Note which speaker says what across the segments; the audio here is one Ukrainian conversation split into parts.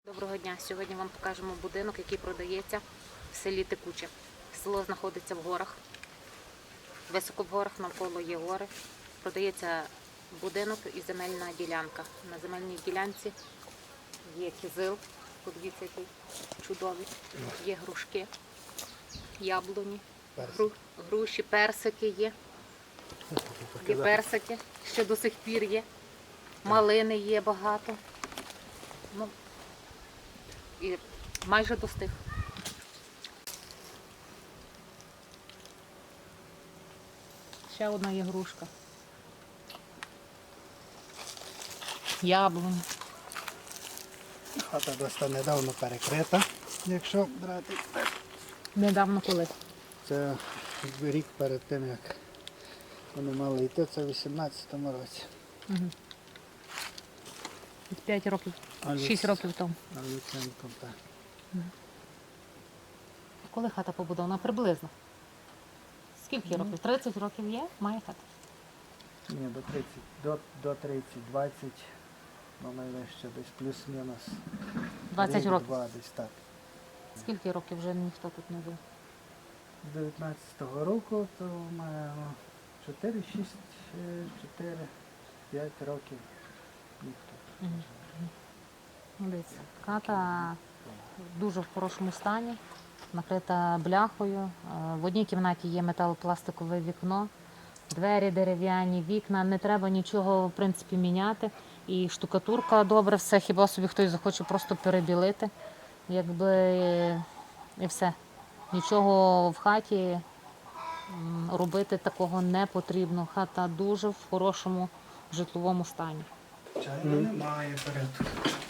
Speaker 1: Доброго дня! Сьогодні вам покажемо будинок, який продається в селі Текуче. Село знаходиться в горах, високо в горах, навколо є гори. Продається будинок і земельна ділянка. На земельній ділянці є кизил, подивіться, який чудовий, є грушки, яблуні, груші, персики є. Є персики, що до сих пір є, малини є багато. І майже достиг. Ще одна є грушка. Яблуні.
Speaker 2: Хата досить недавно перекрита, якщо брати.
Speaker 1: Недавно коли?
Speaker 2: Це рік перед тим, як вони мали йти, це в 18-му році.
Speaker 1: Угу. 5 років, 6 років тому.
Speaker 2: На Люценком, так.
Speaker 1: Коли хата побудована? Приблизно. Скільки років? 30 років є? Має хата?
Speaker 2: Ні, до 30, 20, ну найвище десь плюс-мінус.
Speaker 1: 20 років.
Speaker 2: 2 десь так.
Speaker 1: Скільки років вже ніхто тут не жив?
Speaker 2: З 19-го року то маємо 4, 6, 4, 5 років ніхто.
Speaker 1: Дивіться, хата в дуже в хорошому стані, накрита бляхою. В одній кімнаті є металопластикове вікно, двері дерев'яні, вікна, не треба нічого в принципі міняти. І штукатурка добре, все, хіба собі хтось захоче просто перебілити, якби і все. Нічого в хаті робити такого не потрібно. Хата дуже в хорошому житловому стані.
Speaker 2: Чайно немає порядку.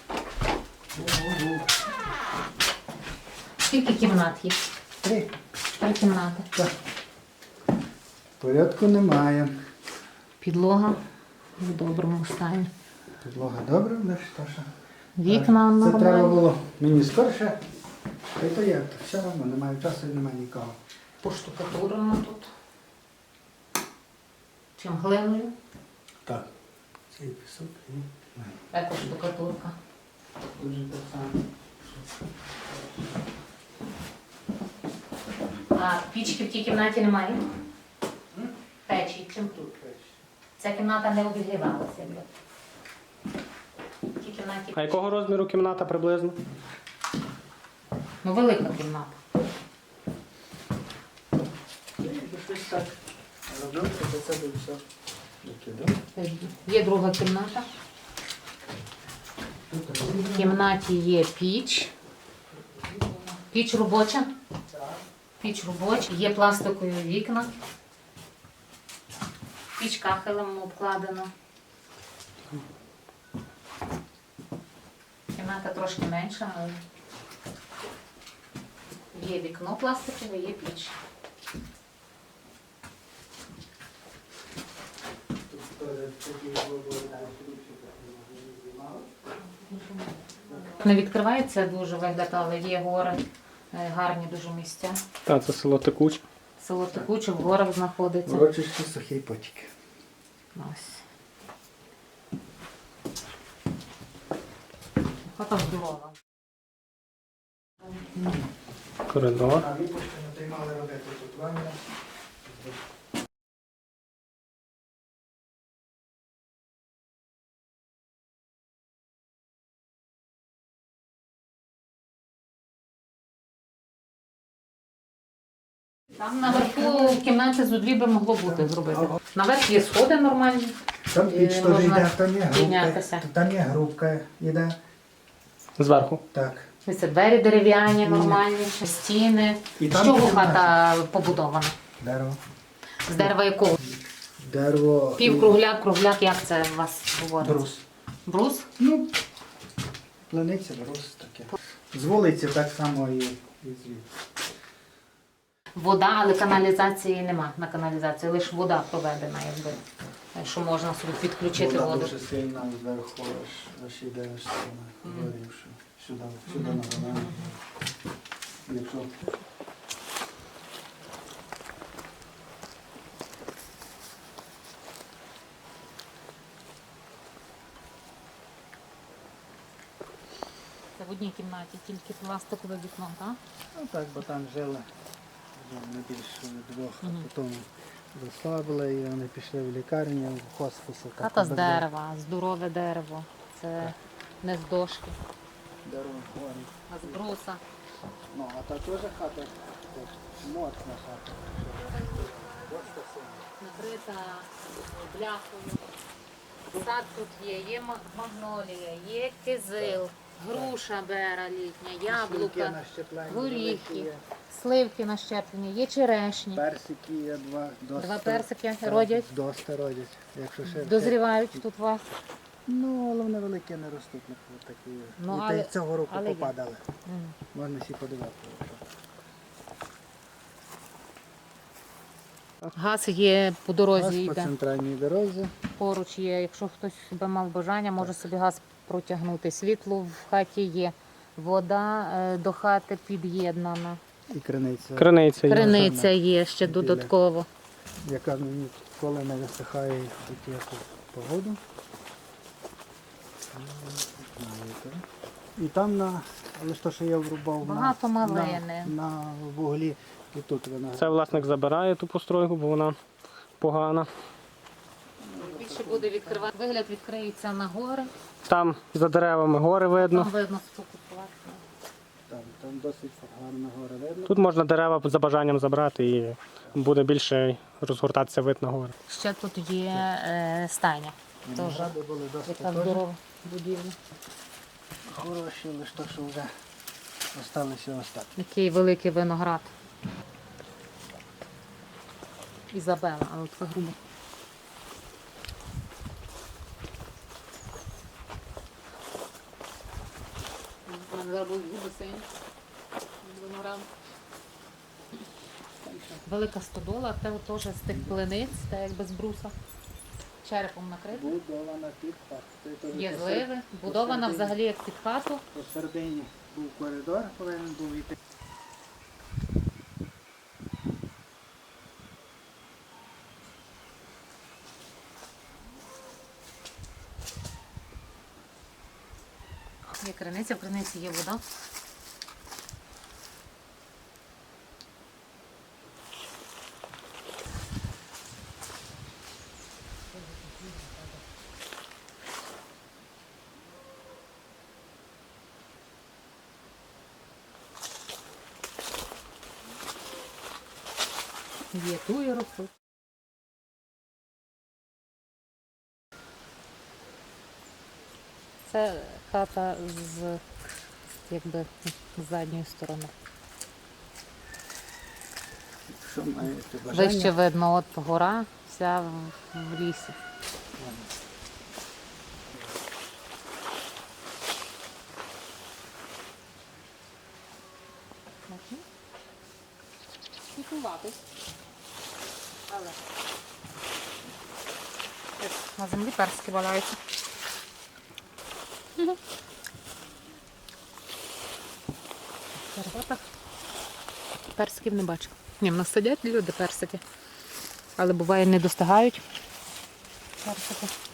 Speaker 1: Скільки кімнат є?
Speaker 2: 3.
Speaker 1: 3 кімнати.
Speaker 2: Так. Порядку немає.
Speaker 1: Підлога в доброму стані.
Speaker 2: Підлога добра, але що ж.
Speaker 1: Вікна
Speaker 2: Це треба
Speaker 1: нормальні.
Speaker 2: було мені скорше. Та й то як, то все одно немає часу і немає нікого.
Speaker 1: Поштукатурено тут. Чим глиною?
Speaker 2: Так. Цей пісок і
Speaker 1: Також штукатурка.
Speaker 2: дуже так само.
Speaker 1: А пічки в тій кімнаті немає? Печі. Чим тут? Ця кімната не обігрівалася. В тій кімнаті.
Speaker 3: А якого розміру кімната приблизно?
Speaker 1: Ну, велика кімната.
Speaker 2: Щось так робив, то це буде все викидав.
Speaker 1: Є друга кімната. В кімнаті є піч. Піч робоча. Піч робоча. Є пластикові вікна. Піч кахелем обкладена. Кімната трошки менша, але є вікно пластикове, є піч. Не відкривається дуже вигляд, але є гори, гарні дуже місця.
Speaker 3: Так, це село Текуч.
Speaker 1: Село Текуче в горах знаходиться.
Speaker 2: Урочище сухий потік.
Speaker 1: Ось. Хата здорова.
Speaker 3: Коридор.
Speaker 2: А випуск не той мали робити тут ванну.
Speaker 1: Там наверху в кімнаті з дві би могло бути зробити. Наверх є сходи нормальні.
Speaker 2: Там піч теж
Speaker 1: можна
Speaker 2: йде, там є грубка.
Speaker 1: піднятися.
Speaker 2: Там є грубка, йде.
Speaker 3: Зверху.
Speaker 2: Так.
Speaker 1: Це двері дерев'яні, нормальні, стіни.
Speaker 2: І
Speaker 1: З
Speaker 2: там
Speaker 1: чого
Speaker 2: кімната.
Speaker 1: хата побудована?
Speaker 2: Дерево.
Speaker 1: З дерева якого?
Speaker 2: Дерево.
Speaker 1: Півкругляк, кругляк, як це у вас говориться?
Speaker 2: Брус.
Speaker 1: Брус?
Speaker 2: Ну, планиця, брус таке. З вулиці так само і звідси.
Speaker 1: Вода, але каналізації нема на каналізації, лише вода проведена, якби, що можна собі підключити
Speaker 2: Вода
Speaker 1: воду.
Speaker 2: дуже сильна зверху, аж іде аж горівши. Сюди на банані. Якщо
Speaker 1: в одній кімнаті, тільки пластикове вікно, так?
Speaker 2: Ну так, бо там жили вже не більше двох, а потім заслабили і вони пішли в лікарню, в хосписи.
Speaker 1: Хата з дерева, здорове дерево. Це не з дошки,
Speaker 2: Дерево горі.
Speaker 1: а з бруса.
Speaker 2: Ну, а та теж хата, так, моцна хата. Досить сильна.
Speaker 1: Накрита бляхою. Сад тут є магнолія, є кизил, груша бера літня,
Speaker 2: Сливки
Speaker 1: яблука,
Speaker 2: на щеплення
Speaker 1: горіхи,
Speaker 2: великі є.
Speaker 1: сливки на щеплення, є черешні.
Speaker 2: Персики є два.
Speaker 1: Два персики
Speaker 2: так,
Speaker 1: родять?
Speaker 2: Доста родять. Якщо ще
Speaker 1: Дозрівають тут у вас.
Speaker 2: Ну, але вони великі не ростуть, такі.
Speaker 1: Ну,
Speaker 2: І
Speaker 1: але-
Speaker 2: та й цього року
Speaker 1: але є.
Speaker 2: попадали.
Speaker 1: М.
Speaker 2: Можна всі подивитися.
Speaker 1: Газ є по дорозі,
Speaker 2: Газ по
Speaker 1: йде.
Speaker 2: центральній дорозі.
Speaker 1: Поруч є, якщо хтось би мав бажання, може собі газ протягнути. Світло в хаті є, вода до хати під'єднана.
Speaker 2: І криниця,
Speaker 3: Криниця є.
Speaker 1: Криниця є ще
Speaker 2: Біля.
Speaker 1: додатково.
Speaker 2: яка мені ніколи не висихає в будь-яку погоду. І там але то, що я врубав
Speaker 1: Багато малини.
Speaker 2: на вуглі, і тут вона.
Speaker 3: Це власник забирає ту постройку, бо вона погана.
Speaker 1: Більше буде відкривати. Вигляд відкриється на гори.
Speaker 3: Там за деревами гори видно.
Speaker 1: Там видно споку платно.
Speaker 2: Там досить гарно гори видно.
Speaker 3: Тут можна дерева за бажанням забрати і буде більше розгортатися вид на гори.
Speaker 1: Ще тут є стайня. Теж.
Speaker 2: Виногради були досить
Speaker 1: Яка здорова будівля.
Speaker 2: хороші, лише то, що вже залишилися остатки.
Speaker 1: Який великий виноград. Ізабела, але така груба. У мене зараз будуть губи сині. Виноград. Велика стодола, це теж з тих плениць, та якби з бруса. Черепом накрита.
Speaker 2: Будована під хату. Це теж
Speaker 1: Є
Speaker 2: по
Speaker 1: зливи, будована
Speaker 2: посередині-
Speaker 1: взагалі як під хату.
Speaker 2: Посередині був коридор, повинен був йти.
Speaker 1: Є криниця, в криниці є вода. Є туї ростуть. Це хата з якби з задньої сторони.
Speaker 2: Що маєте бажання?
Speaker 1: Вище видно, от гора, вся в лісі. Пікуватись. Але на землі персики валяються. В Карпатах персиків не бачу. Ні, в нас сидять люди персики. Але буває не достигають персики.